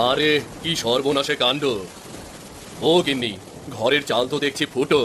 আরে কি সর্বনাশে কাণ্ড! ও গিন্নি, ঘরের চাল তো দেখছি ফুটো।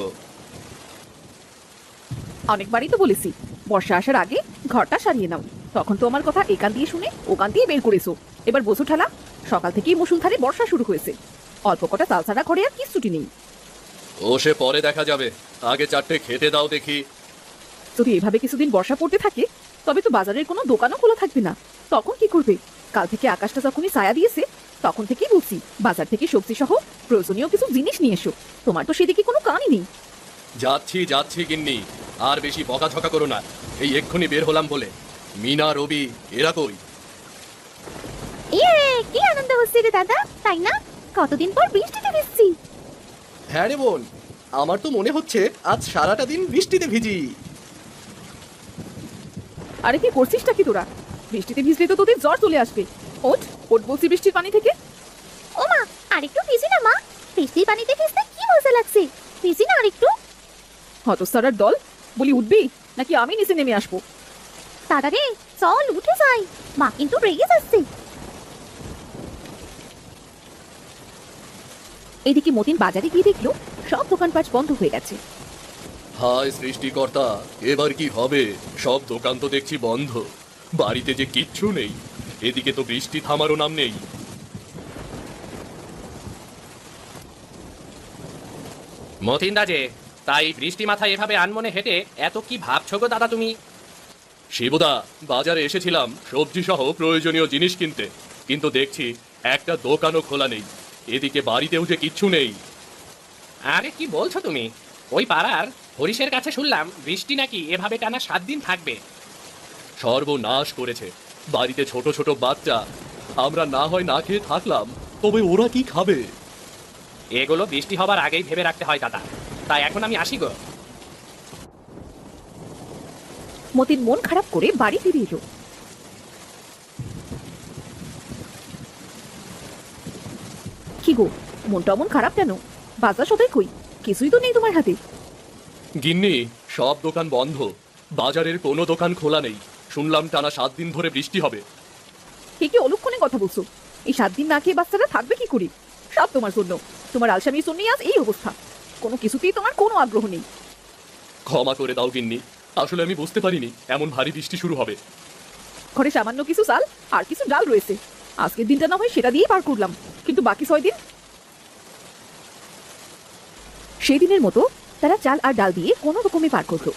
অনেকবারই তো বলেছি বর্ষা আসার আগে ঘরটা সারিয়ে নাও। তখন তো আমার কথা একান দিয়ে শুনে ওকান দিয়ে বের করেছো। এবার বসু ঠালা, সকাল থেকেই মুষলধারে বর্ষা শুরু হয়েছে। অল্প কটা চাল ছাড়া ঘরে আর কিচ্ছুটি নেই। ও সে পরে দেখা যাবে, আগে চারটে খেতে দাও দেখি। যদি এভাবে কিছুদিন বর্ষা পড়তে থাকে তবে তো বাজারের কোনো দোকানও খোলা থাকবে না। তখন কি করবে? কাল থেকে আকাশটা যখনই ছায়া দিয়েছে তখন থেকেই বলছি বাজার থেকে সবজি সহ প্রয়োজনীয় কিছু জিনিস নিয়ে এসো। তোমার তো সেদিকে কোনো কানই নেই। যাচ্ছি যাচ্ছি গিন্নি, আর বেশি বকাঝকা করো না। এই এক্ষুনি বের হলাম বলে। মিনা, রবি এরা কই? কি আনন্দ হচ্ছে রে দাদা, তাই না? কতদিন পর বৃষ্টিতে ভিজছি। হ্যাঁ রে বোন, আমার তো মনে হচ্ছে আজ সারাটা দিন বৃষ্টিতে ভিজি। আরে কি করছিসটা কি তোরা? বৃষ্টিতে ভিজলে তো তোদের জ্বর চলে আসবে। ওঠ ওঠ বলছি বৃষ্টির পানি থেকে। ও মা, আরেকটু ভিজি না মা। বৃষ্টির পানিতে ভিজতে কি মজা লাগছে। ভিজি না আরেকটু। হতস্তারার দল, বলি উঠবি নাকি আমি নিচে নেমে আসবো? তাড়াতাড়ি চল উঠে যাই, মা কিন্তু রেগে যাচ্ছে। এদিকে মতিন বাজারে গিয়ে দেখলো সব দোকানপাট বন্ধ হয়ে গেছে। হায় সৃষ্টিকর্তা, এবার কি হবে? সব দোকান তো দেখছি বন্ধ, বাড়িতে যে কিচ্ছু নেই। এদিকে তো বৃষ্টি থামারও নাম নেই। মতিন দাজে, তাই বৃষ্টি মাথায় এভাবে আনমনে হেঁটে এত কি ভাবছো গো দাদা তুমি? শিবুদা, বাজারে এসেছিলাম সবজি সহ প্রয়োজনীয় জিনিস কিনতে, কিন্তু দেখছি একটা দোকানও খোলা নেই। এদিকে বাড়িতেও যে কিচ্ছু নেই। আরে কি বলছো তুমি? ওই পাড়ার হরিশের কাছে শুনলাম বৃষ্টি নাকি এভাবে টানা 7 দিন থাকবে। সর্বনাশ করেছে, বাড়িতে ছোট ছোট বাচ্চা। আমরা না হয় না খেয়ে থাকলাম, তবে ওরা কি খাবে? এগুলো বৃষ্টি হবার আগেই ভেবে রাখতে হয় দাদা। তাই এখন আমি আসি গো। মতিন মন খারাপ করে বাড়ি ফিরে এলো। কি গো, মনটা মন খারাপ কেন? বাজার সদাই কই? কিছুই তো নেই তোমার হাতে। গিন্নি, সব দোকান বন্ধ, বাজারের কোনো দোকান খোলা নেই। শুনলাম টানা 7 দিন ধরে বৃষ্টি হবে। কে কি অলক্ষণে কথা বলছো? এই 7 দিন না খেয়ে বাচ্চারা থাকবে কি করে? সব তোমার জন্য। তোমার আলসামির জন্যই আজ এই অবস্থা। কোনো কিছুতেই তোমার কোনো আগ্রহ নেই। ক্ষমা করে দাও গিন্নি, আসলে আমি বুঝতে পারিনি এমন ভারী বৃষ্টি শুরু হবে। ঘরে সামান্য কিছু চাল আর কিছু ডাল রয়েছে। আজকের দিনটা না হয় সেটা দিয়েই পার করলাম, কিন্তু বাকি 6 দিন? সেই দিনের মতো তারা চাল আর ডাল দিয়ে কোনো রকমে পার করলো।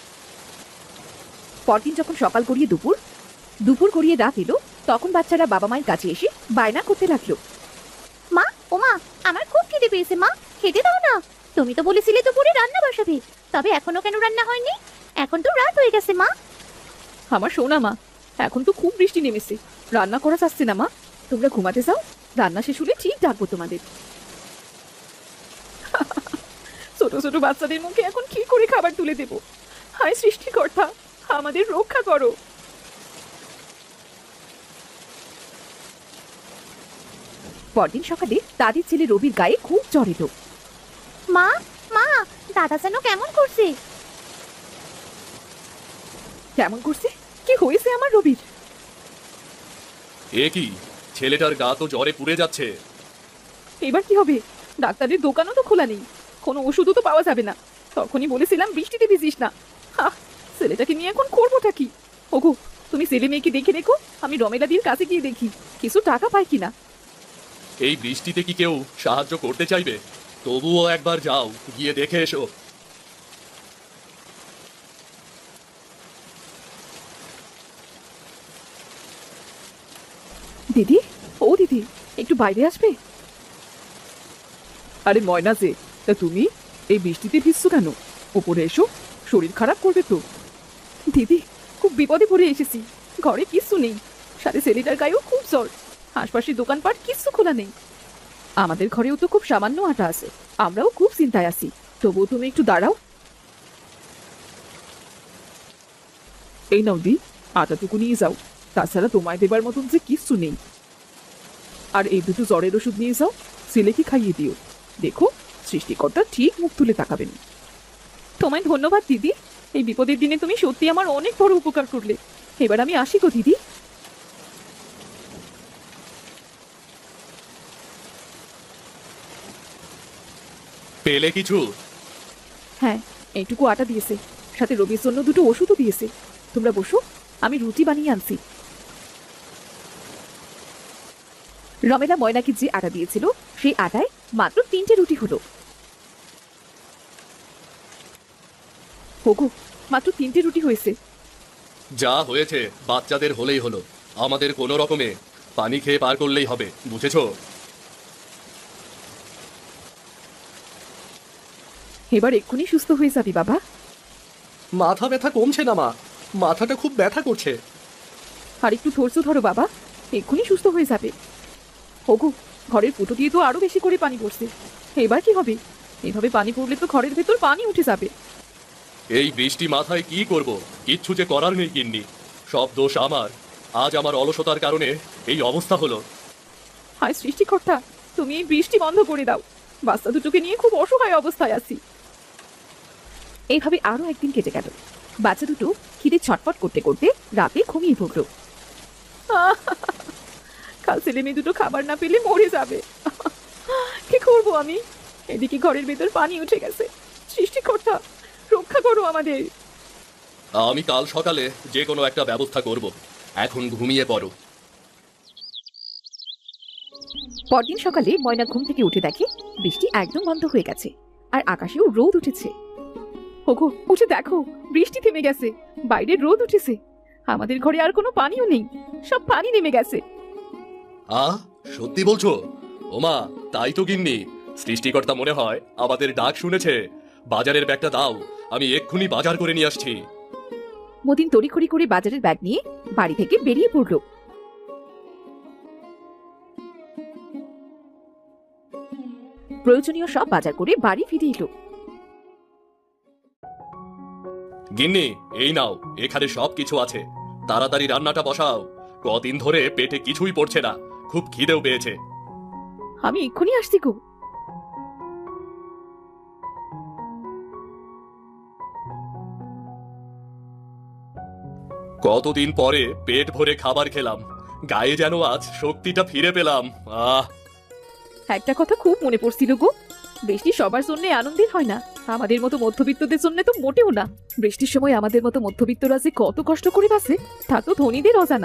পরদিন যখন সকাল গড়িয়ে দুপুর, দুপুর গড়িয়ে রাত এলো, তখন বাচ্চারা বাবা মায়ের কাছে এসে বায়না করতে লাগলো। মা, ও মা, আমার খুব খিদে পেয়েছে মা, খেতে দাও না। তুমি তো বলেছিলে দুপুরে রান্না বসাবে, তবে এখনো কেন রান্না হয়নি? এখন তো রাত হয়ে গেছে মা। আমার সোনা মা, এখন তো খুব বৃষ্টি নেমেছে, রান্না করা যাচ্ছে না মা। তোমরা ঘুমাতে যাও, রান্না শেষ হলে ঠিক ডাকবো তোমাদের। ছোট ছোট বাচ্চাদের মুখে এখন কি করে খাবার তুলে দেব? হায় সৃষ্টিকর্তা, আমাদের রক্ষা করো। পরদিন সকালে দাদির ছেলে রবির গায়ে খুব জ্বর এলো। মা, মা, দাদা যেন কেমন করছে। কেমন করছে? কি হয়েছে আমার রবির? এ কি, ছেলেটার গা তো জ্বরে পুড়ে যাচ্ছে। এবার কি হবে? ডাক্তারের দোকানও তো খোলা নেই, কোনো ওষুধও তো পাওয়া যাবে না। তখনই বলেছিলাম বৃষ্টিতে ভিজিস না। ছেলেটাকে নিয়ে এখন করবোটা কি? ওগো, তুমি ছেলে মেয়েকে দেখে রেখো, আমি রমেলাদির কাছে গিয়ে দেখি কিছু টাকা পাই কিনা। এই বৃষ্টিতে কি কেউ সাহায্য করতে চাইবে? তবুও একবার যাও, গিয়ে দেখে এসো। দিদি, ও দিদি, একটু বাইরে আসবে? আরে ময়না যে, তা তুমি এই বৃষ্টিতে ভিজছো কেন? ওপরে এসো, শরীর খারাপ করবে তো। দিদি, খুব বিপদে পড়ে এসেছি। ঘরে কিচ্ছু নেই, সাথে ছেলেটার গায়েও খুব জ্বর। আশপাশের দোকানপাট কিচ্ছু খোলা নেই। আমাদের ঘরেও তো খুব সামান্য আটা আছে, আমরাও খুব চিন্তায় আছি। তবুও তুমি একটু দাঁড়াও। এই নাও দি, আটাটুকু নিয়ে যাও। তাছাড়া তোমায় দেবার মতন যে কিচ্ছু নেই। আর এই দুটো জ্বরের ওষুধ নিয়ে যাও, ছেলেকে খাইয়ে দিও। দেখো, সৃষ্টিকর্তা ঠিক মুখ তুলে তাকাবেন। তোমায় ধন্যবাদ দিদি, এই বিপদের দিনে তুমি সত্যি আমার অনেক বড় উপকার করলে। এবার আমি আসি গো দিদি। পেলে কিছু? হ্যাঁ, এইটুকু আটা দিয়েছে, সাথে রবির জন্য দুটো ওষুধও দিয়েছে। তোমরা বসো, আমি রুটি বানিয়ে আনছি। রমেলা ময়নাকে যে আটা দিয়েছিল সেই আটায় মাত্র 3টে রুটি হলো। হোগো, মাত্র 3টে রুটি হয়েছে। যা হয়েছে বাচ্চাদের হলেই হলো, আমাদের কোনো রকমে পানি খেয়ে পার করলেই হবে, বুঝেছো? এবার এক্ষুনি সুস্থ হয়ে যাবি বাবা। মাথা ব্যথা কমছে না মা, মাথাটা খুব ব্যথা করছে। আর একটু ধৈর্য ধরো বাবা, এক্ষুনি সুস্থ হয়ে যাবে। হোগো, ঘরের ফুটো দিয়ে তো আরো বেশি করে পানি পড়ছে, এবার কি হবে? এভাবে পানি পড়লে তো ঘরের ভেতর পানি উঠে যাবে। এই বৃষ্টি মাথায় কি করব, কিচ্ছু যে করার নেই গিন্নি, সব দোষ আমার। আজ আমার অলসতার কারণে এই অবস্থা হলো। হায় সৃষ্টিকর্তা, তুমি এই বৃষ্টি বন্ধ করে দাও, বাচ্চা দুটোকে নিয়ে খুব অসহায় অবস্থায় আছি। এইভাবে আরো একদিন কেটে গেল। বাচ্চা দুটো খিদে ছটফট করতে করতে রাতে ঘুমিয়ে পড়ল। কাল ছেলে মেয়ে দুটো খাবার না পেলে মরে যাবে। কি করব আমি? এদিকে ঘরের ভেতর পানি উঠে গেছে। সৃষ্টিকর্তা, রক্ষা করো আমাদের। আমি কাল সকালে যে কোনো একটা ব্যবস্থা করব, এখন ঘুমিয়ে পড়ো। পরদিন সকালে ময়না ঘুম থেকে উঠে দেখে বৃষ্টি একদম বন্ধ হয়ে গেছে, আর আকাশেও রোদ উঠেছে। ওগো, উঠে দেখো, বৃষ্টি থেমে গেছে, বাইরে রোদ উঠেছে। আমাদের ঘরে আর কোনো পানিও নেই, সব পানি নেমে গেছে। সত্যি বলছো? ওমা, তাই তো গিন্নি, সৃষ্টিকর্তা মনে হয় আমাদের ডাক শুনেছে। বাজারের ব্যাগটা দাও, আমি এক্ষুনি বাজার করে নিয়ে আসছি। মতিন তড়িঘড়ি করে বাজারের ব্যাগ নিয়ে বাড়ি থেকে বেরিয়ে পড়ল। প্রয়োজনীয় সব বাজার করে বাড়ি ফিরে এলো। গিন্নি, এই নাও, এখানে সব কিছু আছে, তাড়াতাড়ি রান্নাটা বসাও। কদিন ধরে পেটে কিছুই পড়ছে না, খুব খিদেও পেয়েছে। আমি এক্ষুনি আসছি গো। কতদিন পরে পেট ভরে খাবার খেলাম, গায়ে যেন আজ শক্তিটা ফিরে পেলাম। একটা কথা খুব মনে পড়ছিল গো, বৃষ্টি সবার জন্য আনন্দের হয় না, আমাদের মতো মধ্যবিত্তদের জন্য তো মোটেও না। বৃষ্টির সময় আমাদের মতো মধ্যবিত্তরা যে কত কষ্ট করে বাঁচে তা তো ধনীদের অজানা।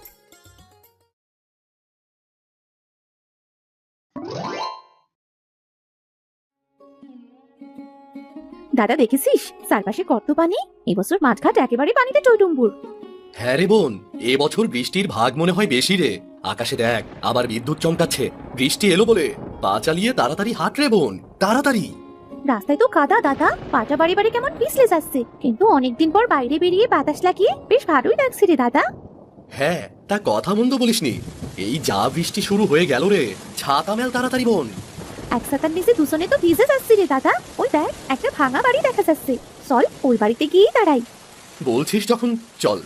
দাদা দেখেছিস চারপাশে কত পানি? এবছর মাঠঘাট একেবারে পানিতে টইটুম্বুর। হ্যাঁ রে বোন, এবছর বৃষ্টির ভাগ মনে হয় বেশি রে। আকাশে দেখ, আবার বিদ্যুৎ চমকাচ্ছে। বৃষ্টি এলো বলে পা চালিয়ে তাড়াতাড়ি হাঁট রে বোন, তাড়াতাড়ি। রাস্তায় তো কাদা দাদা, পাটা বাড়ি বাড়ি কেমন পিছলে যাচ্ছে, কিন্তু অনেকদিন পর বাইরে বেরিয়ে বাতাস লাগিয়ে বেশ ভালোই লাগছে রে দাদা। হ্যাঁ, তা কথা মন্দ বলিসনি, এই যা বৃষ্টি শুরু হয়ে গেল রে, ছাতা মেল তাড়াতাড়ি বোন। এক ছাতার নিচে দুজনে তো ভিজে যাচ্ছি রে দাদা। ওই দেখ, একটা ভাঙা বাড়ি দেখা যাচ্ছে, চল ওই বাড়িতে গিয়েই দাঁড়াই। বলছিস যখন চল।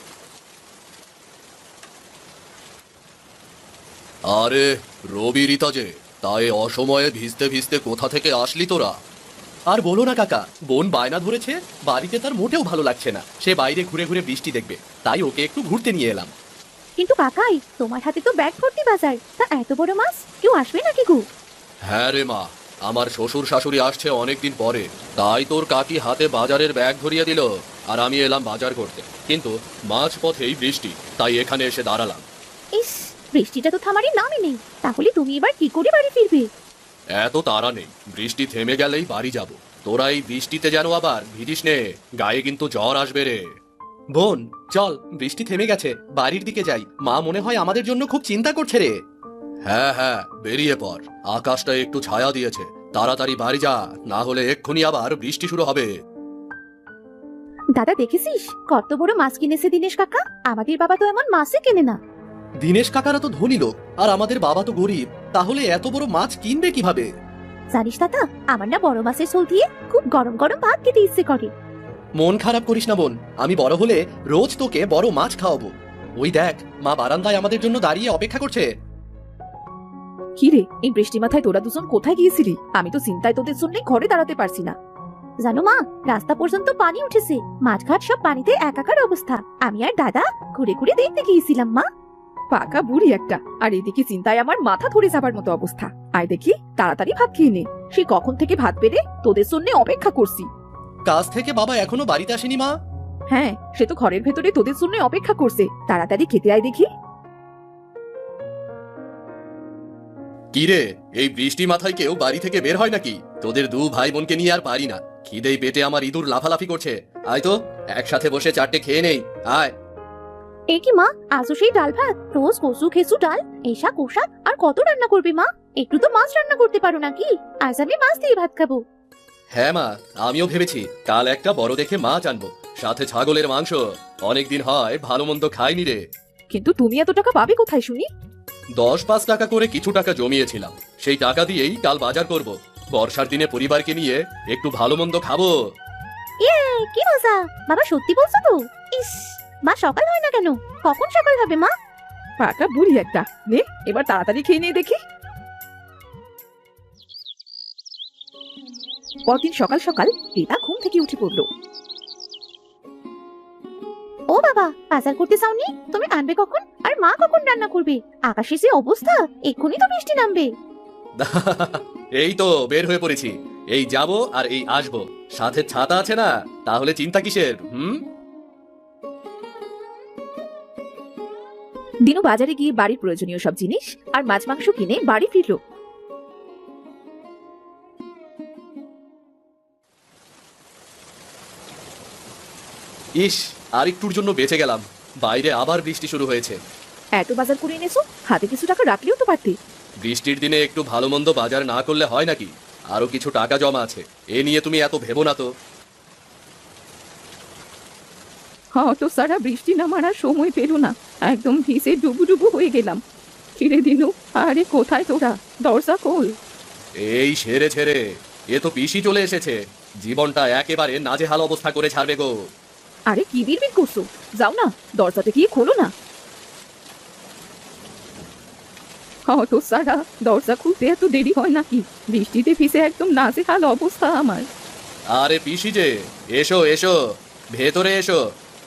আরে রবি, রিতা যে, তাই অসময়ে ভিজতে ভিজতে কোথা থেকে আসলি তোরা? আর বলো না কাকা, বোন বায়না ধরেছে, বাড়িতে তার মোটেও ভালো লাগছে না, সে বাইরে ঘুরে ঘুরে বৃষ্টি দেখবে, তাই ওকে একটু ঘুরতে নিয়ে এলাম। কিন্তু কাকাই, তোমার হাতে তো ব্যাগ ভর্তি বাজার, তা এত বড় মাছ কেউ আসবে নাকি গো? হ্যাঁ রে মা, আমার শ্বশুর শাশুড়ি আসছে অনেকদিন পরে, তাই তোর কাকি হাতে বাজারের ব্যাগ ধরিয়ে দিল, আর আমি এলাম বাজার করতে। কিন্তু মাঝ পথেই বৃষ্টি, তাই এখানে এসে দাঁড়ালাম। ইস, বৃষ্টিটা তো থামারই নামই নেই, তাহলে তুমি এবার কি করে বাড়ি ফিরবে? এত তাড়া নেই, বৃষ্টি থেমে গেলেই বাড়ি যাব। তোরা এই বৃষ্টিতে যেন আবার ভিজিস নে, গায়ে কিন্তু জ্বর আসবে রে। বোন চল, বৃষ্টি থেমে গেছে, বাড়ির দিকে যাই, মা মনে হয় আমাদের জন্য খুব চিন্তা করছে রে। হ্যাঁ হ্যাঁ, বেরিয়ে পড়, আকাশটা একটু ছায়া দিয়েছে, তাড়াতাড়ি বাড়ি যা, না হলে এক্ষুনি আবার বৃষ্টি শুরু হবে। দাদা দেখেছিস কত বড় মাছ কিনেছে দিনেশ কাকা? আমাদের বাবা তো এমন মাছই কেনে না। দিনেশ কাকারা তো ধনী লোক, আর আমাদের বাবা তো গরিব, তাহলে এত বড় মাছ কিনবে কিভাবে? জানিস দাদা, আমার না বড় মাছের ঝোল দিয়ে খুব গরম গরম ভাত খেতে ইচ্ছে করে। মন খারাপ করিস না বোন, আমি বড় হলে রোজ তোকে বড় মাছ খাওয়াবো। ওই দেখ, মা বারান্দায় আমাদের জন্য দাঁড়িয়ে অপেক্ষা করছে। কি রে, এই বৃষ্টি মাথায় তোরা দুজন কোথায় গিয়েছিলি? আমি তো চিন্তায় তোদের জন্য ঘরে দাঁড়াতে পারছি না। জানো মা, রাস্তা পর্যন্ত পানি উঠেছে, মাঠঘাট সব পানিতে একাকার অবস্থা। আমি আর দাদা ঘুরে ঘুরে দেখতে গিয়েছিলাম মা। পাকা বুড়ি একটা, আর এদিকে চিন্তায় আমার মাথা ধরে যাবার মতো অবস্থা। আয় দেখি, তাড়াতাড়ি ভাত খেয়ে নে, সে কখন থেকে ভাত পেরে তোদের জন্য অপেক্ষা করছি। কাজ থেকে বাবা এখনো বাড়িতে আসেনি মা? হ্যাঁ, সে তো ঘরের ভেতরে তোদের জন্য অপেক্ষা করছে, তাড়াতাড়ি খেতে আয় দেখি। কি রে, এই বৃষ্টি মাথায় কেউ বাড়ি থেকে বের হয় নাকি? তোদের দু ভাই বোনকে নিয়ে আর পারি না, খিদেই পেটে আমার ইঁদুর লাফালাফি করছে। আয় তো একসাথে বসে চারটে খেয়ে নেই, আয়। এ কি মা, আজও সেই ডাল ভাত? রোজ কচু খেসু ডাল, এই শাক ও শাক, আর কত রান্না করবে মা? একটু তো মাছ রান্না করতে পারো নাকি? আজ আমি মাছ দিয়ে ভাত খাবো। হ্যাঁ মা, আমিও ভেবেছি কাল একটা বড় দেখে মাছ আনবো, সাথে ছাগলের মাংস। অনেকদিন হয় ভালো মন্দ খাইনি রে। কিন্তু তুমি এত টাকা পাবে কোথায় শুনি? 10-5 টাকা করে কিছু টাকা জমিয়েছিলাম, সেই টাকা দিয়েই কাল বাজার করব। বর্ষার দিনে পরিবারকে নিয়ে একটু ভালো মন্দ খাবো। ইয়ে, কি মজা! বাবা সত্যি বলছো তো? ইস, মা সকাল হয় না কেন? কখন সকাল হবে মা? পাকা বুড়ি একটা। নে এবার তাড়াতাড়ি খেয়ে নিয়ে দেখি। পরদিন সকাল সকাল রিতা ঘুম থেকে উঠে পড়লো। ও বাবা, বাজার করতে যাওনি? তুমি আনবে কখন? আর মা কখন রান্না করবে? আকাশে যে অবস্থা, এক্ষুনি তো বৃষ্টি নামবে। এই তো বের হয়ে পড়েছি, এই যাব আর এই আসবো। সাথে ছাতা আছে না, তাহলে চিন্তা কিসের? দিনু বাজারে গিয়ে বাড়ির প্রয়োজনীয় সব জিনিস আর মাছ মাংস কিনে বাড়ি ফিরলো। ইস, আর একটুর জন্য বেঁচে গেলাম। বাইরে আবার বৃষ্টি শুরু হয়েছে। এত বাজার করে এনেছো, হাতে কিছু টাকা রাখলেও তো পারতে। বৃষ্টির দিনে একটু ভালো মন্দ বাজার না করলে হয় নাকি? আরো কিছু টাকা জমা আছে, এ নিয়ে তুমি এত ভেবো না তো। তো সারা বৃষ্টি নামার আর সময় পেল না, একদম ভিজে ডুবু হয়ে গেলাম। ফিরে দিনু, আরে কোথায় তোরা? দরজা খোল। এই সেরে ছেড়ে, এ তো পিসি চলে এসেছে, জীবনটা একেবারে নাজেহাল অবস্থা করে ছাড়বে গো। আরে কি বিড়বিড় করছো? যাও না, দরজাটা গিয়ে খোলো না। তো সারা, দরজা খুলতে এত দেরি হয় নাকি? বৃষ্টিতে ভিজে একদম নাজেহাল অবস্থা আমার। আরে পিসি যে, এসো এসো, ভেতরে এসো।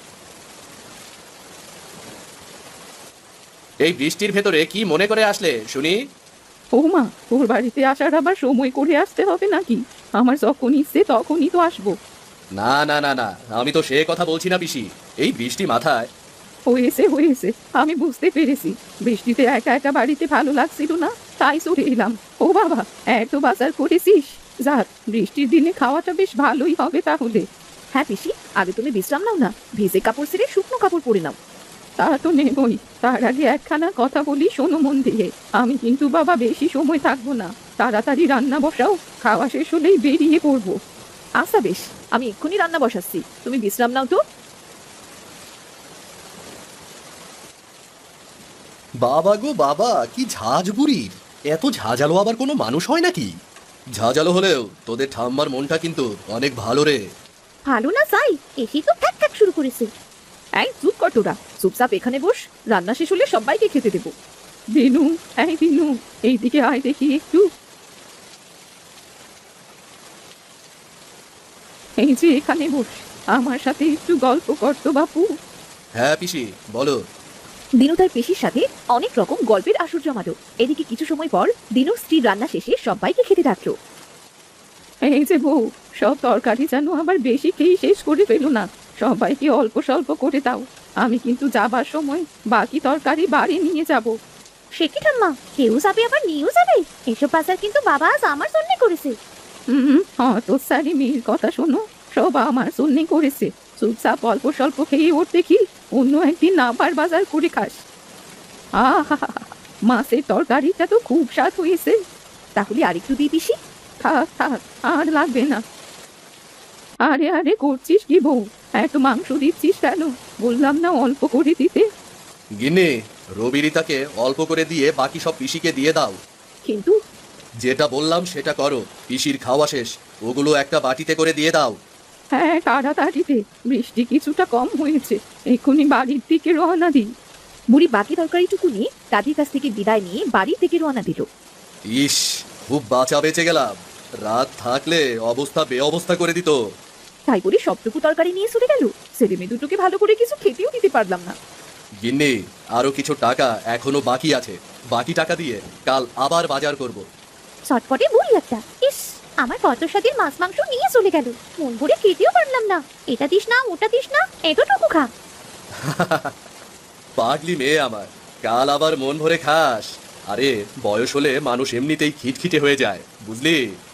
এই বৃষ্টির ভেতরে কি মনে করে আসলে শুনি? ও মা, তোর বাড়িতে আসার আবার সময় করে আসতে হবে নাকি? আমার যখন ইচ্ছে তখনই তো আসবো। না না না না, আমি তো সে কথা বলছি না পিসি। এই বৃষ্টি মাথায়। হয়েছে, আমি বুঝতে পেরেছি। বৃষ্টিতে একা একা বাড়িতে ভালো লাগছিল না, তাই চলে এলাম। ও বাবা, এত বাজার করেছিস? যাক, বৃষ্টির দিনে খাওয়াটা বেশ ভালোই হবে তাহলে। হ্যাঁ পিসি, আগে তুমি বিশ্রাম নাও না, ভিজে কাপড় ছেড়ে শুকনো কাপড় পরে নাও। তা তো নেবই, তার আগে একখানা কথা বলি শোনো মন দিয়ে। আমি কিন্তু বাবা বেশি সময় থাকবো না, তাড়াতাড়ি রান্না বসাও, খাওয়া শেষ হলেই বেরিয়ে পড়বো। আচ্ছা বেশ, আমি এক্ষুনি রান্না বসাচ্ছি, তুমি বিশ্রাম নাও তো। বাবা গো বাবা, কি ঝাঁজ বুড়ির! এত ঝাঁঝালো আবার কোনো মানুষ হয় নাকি? ঝাঁঝালো হলেও তোদের ঠাম্মার মনটা কিন্তু অনেক ভালো রে। ভালো না যাই, এসেই তো ঠ্যাক ঠ্যাক শুরু করেছে। এই চুপ কর তোরা, চুপচাপ এখানে বস, রান্না শেষ হলে সবাইকে খেতে দেবো। দিনু, এই দিনু, এইদিকে আয় দেখি একটু। এই যে এখানে বস, আমার সাথে একটু গল্প করতো বাপু। হ্যাঁ পিসি, বলো। দিনু তার পেশির সাথে অনেক রকম গল্পের আসর জমালো। এদিকে কিছু সময় পর দিনুর স্ত্রী রান্না শেষে সবাইকে খেতে ডাকলো। এই যে বউ, সব তরকারি যেন আবার বেশি খেয়ে শেষ করে ফেলো না, সবাইকে অল্প স্বল্প করে দাও। আমি কিন্তু যাবার সময় বাকি তরকারি বাড়ি নিয়ে যাব। সে কি ঠাম্মা, কেউ যাবে আবার নিয়েও যাবে? এসব বাজার কিন্তু বাবা আজ আমার জন্য করেছে। তো সারি মেয়ের কথা শোনো, সব আমার জন্যে করেছে। চুপচাপ অল্প স্বল্প খেয়ে ওর দেখি, অন্য একদিন আবার বাজার করে খাস। আহা, মাছের তরকারিটা তো খুব স্বাদ হয়েছে। তাহলে আরেকটু দিই পিসি? থাক থাক, আর লাগবে না। আরে করছিস কি বউ, এত মাংস দিচ্ছিস কেন? বললাম না অল্প করে দিতে। গিন্নি, রবি রিতাকে অল্প করে দিয়ে বাকি সব পিসিকে দিয়ে দাও। কিন্তু যেটা বললাম সেটা করো, পিসির খাওয়া শেষ, ওগুলো একটা বাটিতে করে দিয়ে দাও। হ্যাঁ তাড়াতাড়িতে, বৃষ্টি কিছুটা কম হয়েছে, এক্ষুনি বাড়ির দিকে রওনা দিই। বুড়ি বাকি তরকারিটুকু নিয়ে দাদির কাছ থেকে বিদায় নিয়ে বাড়ির দিকে রওনা দিল। ইস, খুব বাঁচা বেঁচে গেলাম, রাত থাকলে অবস্থা বেঅবস্থা করে দিত। তাই বলে সবটুকু তরকারি নিয়ে চলে গেল, ছেলে মেয়ে দুটোকে ভালো করে কিছু খেতেও দিতে পারলাম না। গিন্নি, আরো কিছু টাকা এখনো বাকি আছে, বাকি টাকা দিয়ে কাল আবার বাজার করব। চটপটে বুড়ি একটা। ইস, আমার কত স্বাদের মাছ মাংস নিয়ে চলে গেল, মন ভরে খেতেও পারলাম না। এটা দিস না, ওটা দিস না, এতটুকু খা। পাগলি মেয়ে আমার, কাল আবার মন ভরে খাস। আরে বয়স হলে মানুষ এমনিতেই খিটখিটে হয়ে যায়, বুঝলি?